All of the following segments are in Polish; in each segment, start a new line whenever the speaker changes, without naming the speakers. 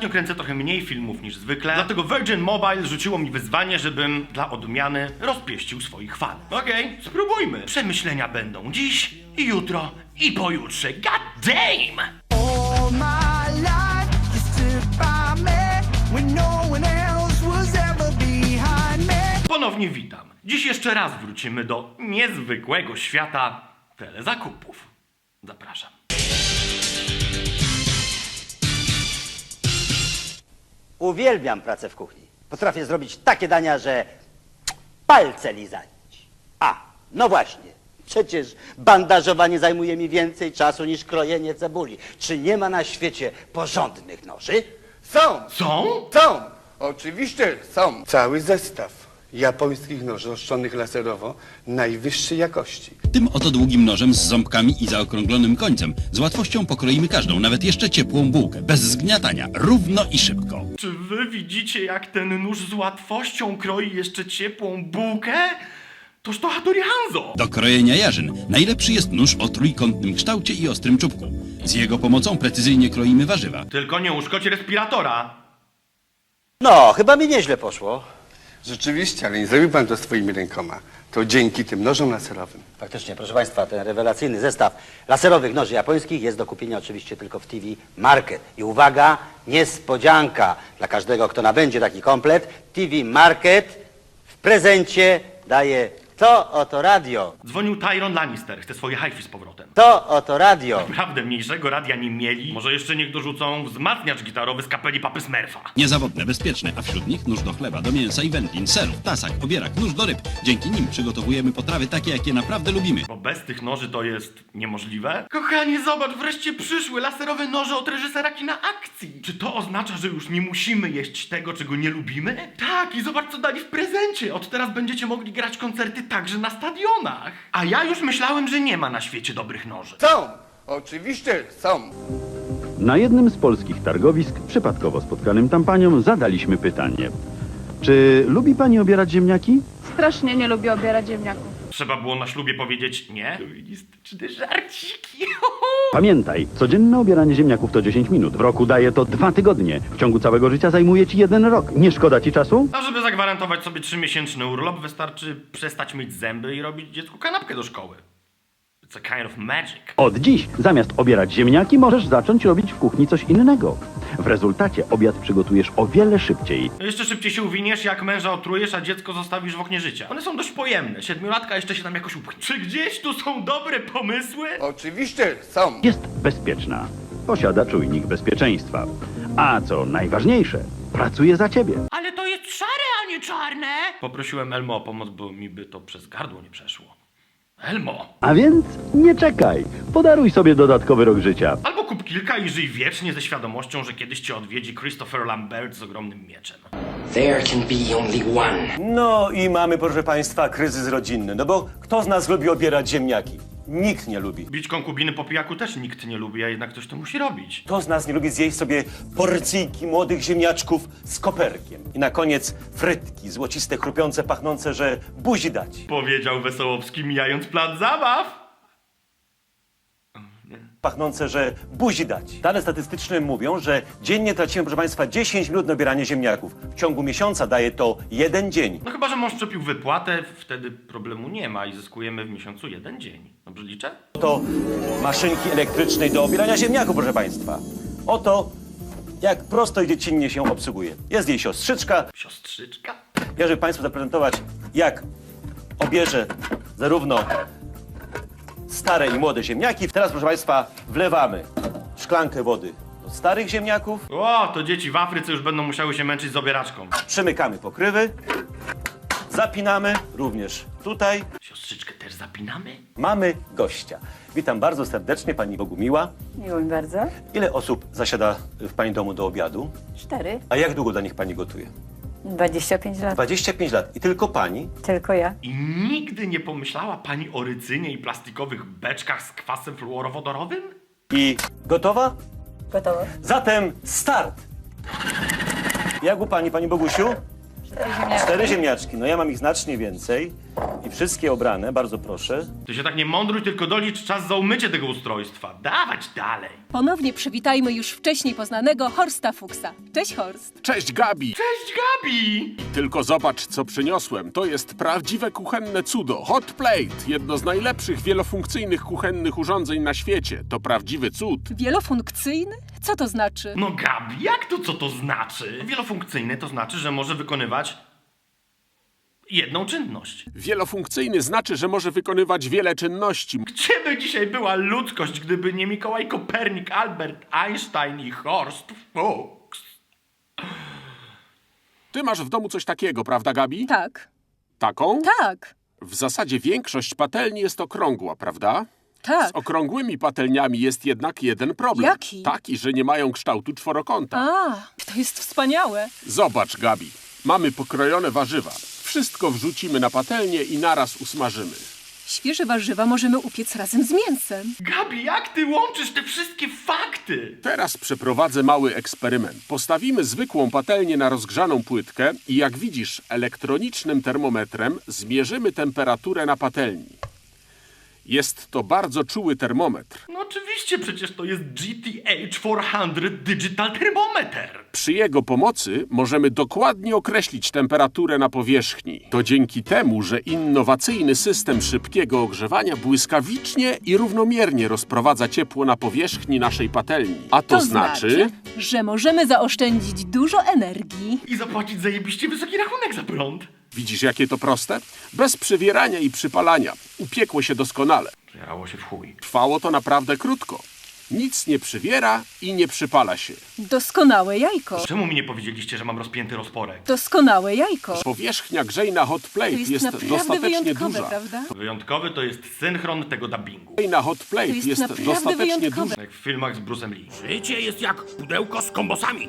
Ostatnio kręcę trochę mniej filmów niż zwykle, dlatego Virgin Mobile rzuciło mi wyzwanie, żebym dla odmiany rozpieścił swoich fanów. Okej, spróbujmy. Przemyślenia będą dziś, i jutro, i pojutrze. God damn!
All my life you stood by me when no one else was ever behind me.
Ponownie witam. Dziś jeszcze raz wrócimy do niezwykłego świata telezakupów. Zapraszam.
Uwielbiam pracę w kuchni. Potrafię zrobić takie dania, że palce lizać. No właśnie. Przecież bandażowanie zajmuje mi więcej czasu niż krojenie cebuli. Czy nie ma na świecie porządnych noży?
Są!
Są?
Są! Oczywiście są. Cały zestaw japońskich noży ostrzonych laserowo najwyższej jakości.
Tym oto długim nożem z ząbkami i zaokrąglonym końcem z łatwością pokroimy każdą, nawet jeszcze ciepłą bułkę, bez zgniatania, równo i szybko.
Czy wy widzicie, jak ten nóż z łatwością kroi jeszcze ciepłą bułkę? Toż to Hattori Hanzo!
Do krojenia jarzyn najlepszy jest nóż o trójkątnym kształcie i ostrym czubku. Z jego pomocą precyzyjnie kroimy warzywa.
Tylko nie uszkodź respiratora.
No, chyba mi nieźle poszło.
Rzeczywiście, ale nie zrobił pan to swoimi rękoma. To dzięki tym nożom laserowym.
Faktycznie, proszę Państwa, ten rewelacyjny zestaw laserowych noży japońskich jest do kupienia oczywiście tylko w TV Market. I uwaga, niespodzianka dla każdego, kto nabędzie taki komplet. TV Market w prezencie daje to oto radio.
Dzwonił Tyron Lannister, chce swoje hi-fi z powrotem.
To oto radio.
Naprawdę mniejszego radia nie mieli. Może jeszcze niech dorzucą wzmacniacz gitarowy z kapeli Papy Smurfa.
Niezawodne, bezpieczne, a wśród nich nóż do chleba, do mięsa i wędlin, serów, tasak, obierak, nóż do ryb. Dzięki nim przygotowujemy potrawy takie, jakie naprawdę lubimy.
Bo bez tych noży to jest niemożliwe. Kochanie, zobacz, wreszcie przyszły laserowe noże od reżysera kina akcji. Czy to oznacza, że już nie musimy jeść tego, czego nie lubimy? Tak, i zobacz, co dali w prezencie. Od teraz będziecie mogli grać koncerty także na stadionach. A ja już myślałem, że nie ma na świecie dobrych noży.
Są! Oczywiście są!
Na jednym z polskich targowisk, przypadkowo spotkanym tam paniom, zadaliśmy pytanie. Czy lubi pani obierać ziemniaki?
Strasznie nie lubię obierać ziemniaków.
Trzeba było na ślubie powiedzieć nie. Feministyczne żarciki.
Pamiętaj, codzienne obieranie ziemniaków to 10 minut. W roku daje to 2 tygodnie. W ciągu całego życia zajmuje ci 1 rok. Nie szkoda ci czasu?
A żeby zagwarantować sobie 3-miesięczny urlop, wystarczy przestać myć zęby i robić dziecku kanapkę do szkoły. It's a kind of magic.
Od dziś, zamiast obierać ziemniaki, możesz zacząć robić w kuchni coś innego. W rezultacie obiad przygotujesz o wiele szybciej.
Jeszcze szybciej się uwiniesz, jak męża otrujesz, a dziecko zostawisz w oknie życia. One są dość pojemne. 7-latka jeszcze się tam jakoś upchnie. Czy gdzieś tu są dobre pomysły?
Oczywiście są!
Jest bezpieczna. Posiada czujnik bezpieczeństwa. A co najważniejsze, pracuje za ciebie.
Ale to jest szare, a nie czarne! Poprosiłem Elmo o pomoc, bo mi by to przez gardło nie przeszło. Elmo!
A więc nie czekaj. Podaruj sobie dodatkowy rok życia.
Albo kup kilka i żyj wiecznie ze świadomością, że kiedyś cię odwiedzi Christopher Lambert z ogromnym mieczem.
There can be only one.
No i mamy, proszę Państwa, kryzys rodzinny. No bo kto z nas lubi obierać ziemniaki? Nikt nie lubi.
Bić konkubiny po pijaku też nikt nie lubi, a jednak ktoś to musi robić.
Kto z nas nie lubi zjeść sobie porcyjki młodych ziemniaczków z koperkiem? I na koniec frytki, złociste, chrupiące, pachnące, że buzi dać.
Powiedział Wesołowski, mijając plac zabaw.
Pachnące, że buzi dać. Dane statystyczne mówią, że dziennie tracimy, proszę Państwa, 10 minut na obieranie ziemniaków. W ciągu miesiąca daje to 1 dzień.
No chyba, że mąż przepił wypłatę, wtedy problemu nie ma i zyskujemy w miesiącu 1 dzień. Dobrze liczę?
Oto maszynki elektrycznej do obierania ziemniaków, proszę Państwa. Oto jak prosto i dziecinnie się obsługuje. Jest jej siostrzyczka.
Siostrzyczka?
Ja, żeby Państwu zaprezentować, jak obierze zarówno stare i młode ziemniaki. Teraz, proszę Państwa, wlewamy szklankę wody do starych ziemniaków.
O, to dzieci w Afryce już będą musiały się męczyć z obieraczką.
Przymykamy pokrywy. Zapinamy również tutaj.
Siostrzyczkę też zapinamy?
Mamy gościa. Witam bardzo serdecznie, Pani Bogumiła.
Miło mi bardzo.
Ile osób zasiada w Pani domu do obiadu?
4.
A jak długo dla nich Pani gotuje?
25 lat.
25 lat. I tylko Pani?
Tylko ja.
I nigdy nie pomyślała pani o rycynie i plastikowych beczkach z kwasem fluorowodorowym?
I gotowa?
Gotowe.
Zatem start! Jak u Pani, Pani Bogusiu?
4 ziemniaczki.
4 ziemniaczki. No ja mam ich znacznie więcej. I wszystkie obrane, bardzo proszę.
Ty się tak nie mądruj, tylko dolicz czas za umycie tego ustrojstwa. Dawać dalej.
Ponownie przywitajmy już wcześniej poznanego Horsta Fuchsa. Cześć, Horst.
Cześć, Gabi!
Cześć, Gabi!
Tylko zobacz, co przyniosłem. To jest prawdziwe kuchenne cudo. Hot Plate. Jedno z najlepszych wielofunkcyjnych kuchennych urządzeń na świecie. To prawdziwy cud.
Wielofunkcyjny? Co to znaczy?
No Gabi, jak to co to znaczy? Wielofunkcyjny to znaczy, że może wykonywać jedną czynność.
Wielofunkcyjny znaczy, że może wykonywać wiele czynności.
Gdzie by dzisiaj była ludzkość, gdyby nie Mikołaj Kopernik, Albert Einstein i Horst Fuchs?
Ty masz w domu coś takiego, prawda, Gabi?
Tak.
Taką?
Tak.
W zasadzie większość patelni jest okrągła, prawda?
Tak.
Z okrągłymi patelniami jest jednak jeden problem.
Jaki?
Taki, że nie mają kształtu czworokąta.
A, to jest wspaniałe.
Zobacz, Gabi. Mamy pokrojone warzywa. Wszystko wrzucimy na patelnię i naraz usmażymy.
Świeże warzywa możemy upiec razem z mięsem.
Gabi, jak ty łączysz te wszystkie fakty?
Teraz przeprowadzę mały eksperyment. Postawimy zwykłą patelnię na rozgrzaną płytkę i jak widzisz, elektronicznym termometrem zmierzymy temperaturę na patelni. Jest to bardzo czuły termometr.
No oczywiście, przecież to jest GTH 400 Digital Thermometer.
Przy jego pomocy możemy dokładnie określić temperaturę na powierzchni. To dzięki temu, że innowacyjny system szybkiego ogrzewania błyskawicznie i równomiernie rozprowadza ciepło na powierzchni naszej patelni. A to znaczy,
że możemy zaoszczędzić dużo energii.
I zapłacić zajebiście wysoki rachunek za prąd.
widzisz jakie to proste? Bez przywierania i przypalania. Upiekło się doskonale.
Jarało się w chuj.
Trwało to naprawdę krótko. Nic nie przywiera i nie przypala się.
Doskonałe jajko.
Czemu mi nie powiedzieliście, że mam rozpięty rozporek?
Doskonałe jajko.
Powierzchnia grzejna hot plate
To jest naprawdę
dostatecznie
wyjątkowe,
duża.
prawda?
Wyjątkowy to jest synchron tego dubbingu.
Grzejna hot plate
To jest
jest
naprawdę
dostatecznie
wyjątkowe.
duża.
Jak w filmach z Bruce'em Lee.
Życie jest jak pudełko z kombosami.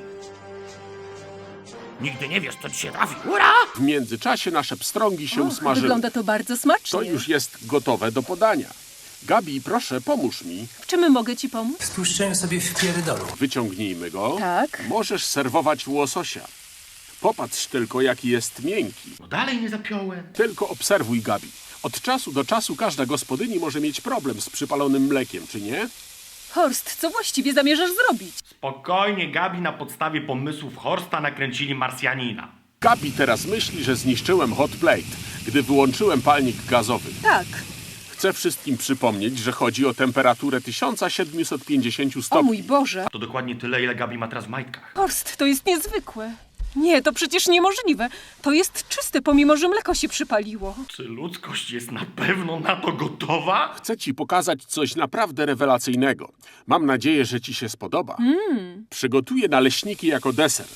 Nigdy nie wiesz, co ci się trafi. Ura!
W międzyczasie nasze pstrągi się
Och,
usmażyły.
wygląda to bardzo smacznie.
To już jest gotowe do podania. Gabi, proszę, pomóż mi.
W czym mogę ci pomóc?
Stłuszczyłem sobie w pierdolu.
Wyciągnijmy go.
Tak.
Możesz serwować łososia. Popatrz tylko, jaki jest miękki.
No dalej nie zapiąłem.
Tylko obserwuj, Gabi. Od czasu do czasu każda gospodyni może mieć problem z przypalonym mlekiem, czy nie?
Horst, co właściwie zamierzasz zrobić?
Spokojnie, Gabi na podstawie pomysłów Horsta nakręcili Marsjanina.
Gabi teraz myśli, że zniszczyłem hot plate, gdy wyłączyłem palnik gazowy.
Tak.
Chcę wszystkim przypomnieć, że chodzi o temperaturę 1750 stopni.
O mój Boże.
To dokładnie tyle, ile Gabi ma teraz w majtkach.
Horst, to jest niezwykłe. Nie, to przecież niemożliwe. To jest czyste, pomimo że mleko się przypaliło.
Czy ludzkość jest na pewno na to gotowa?
Chcę ci pokazać coś naprawdę rewelacyjnego. Mam nadzieję, że ci się spodoba. Przygotuję naleśniki jako deser.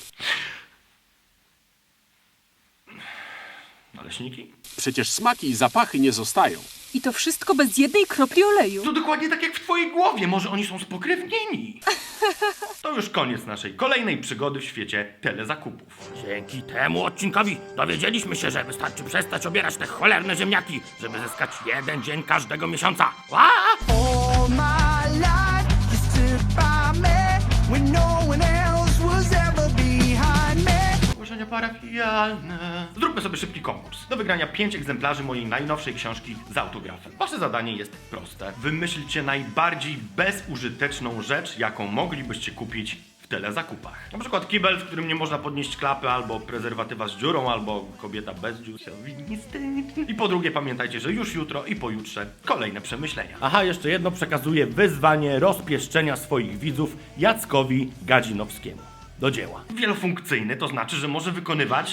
Naleśniki?
Przecież smaki i zapachy nie zostają.
I to wszystko bez jednej kropli oleju.
To dokładnie tak jak w twojej głowie. Może oni są spokrewnieni. To już koniec naszej kolejnej przygody w świecie telezakupów.
Dzięki temu odcinkowi dowiedzieliśmy się, że wystarczy przestać obierać te cholerne ziemniaki, żeby zyskać 1 dzień każdego miesiąca.
All my life you stood by me when no one else was ever behind me.
Ogłoszenia parafialne. Zróbmy sobie szybki konkurs. Do wygrania 5 egzemplarzy mojej najnowszej książki z autografem. Wasze zadanie jest proste. Wymyślcie najbardziej bezużyteczną rzecz, jaką moglibyście kupić w telezakupach. Na przykład kibel, w którym nie można podnieść klapy, albo prezerwatywa z dziurą, albo kobieta bez dziur. I po drugie pamiętajcie, że już jutro i pojutrze kolejne przemyślenia. Aha, jeszcze jedno, przekazuję wyzwanie rozpieszczenia swoich widzów Jackowi Gadzinowskiemu. Do dzieła. Wielofunkcyjny to znaczy, że może wykonywać...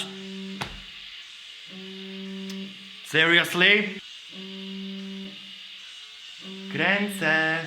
Seriously? Kręcę.